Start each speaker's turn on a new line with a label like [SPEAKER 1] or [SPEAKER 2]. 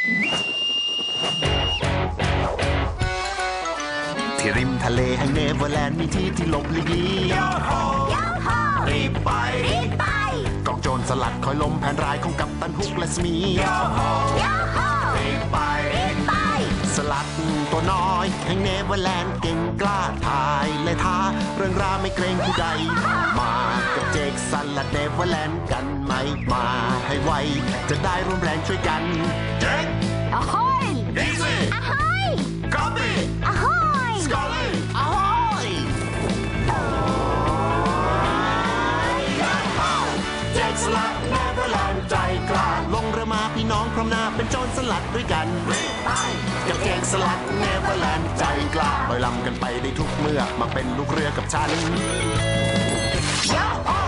[SPEAKER 1] ที่ริมทะเลแห่งเนเวอร์แลนด์มีที่ที่หลบหลีกลี่รีบไปกองโจรสลัดคอยล้มแผนร้ายของกัปตันฮุกและสมีรีบไปสลัดตัวน้อยแห่งเนเวอร์แลนด์เก่งกล้าทายและท้าเรื่องราวไม่เกรงผู้ใดมากับเจคสันและเนเวอร์แลนด์กันไหมมาให้ไวจะได้ร่วมแรงช่วยกันเจค
[SPEAKER 2] Ahoy!
[SPEAKER 1] Easy!
[SPEAKER 2] Ahoy!
[SPEAKER 1] Copy!
[SPEAKER 2] Ahoy!
[SPEAKER 1] Scully! Ahoy! เจคสลัดเนเวอร์แลนด์ใจกล้าลงเรือมาพี่น้องพร้อมหน้าเป็นโจรสลัดด้วยกันกับเจคสลัดเนเวอร์แลนด์ใจกล้าลอยลำกันไปได้ทุกเมื่อมาเป็นลูกเรือกับฉัน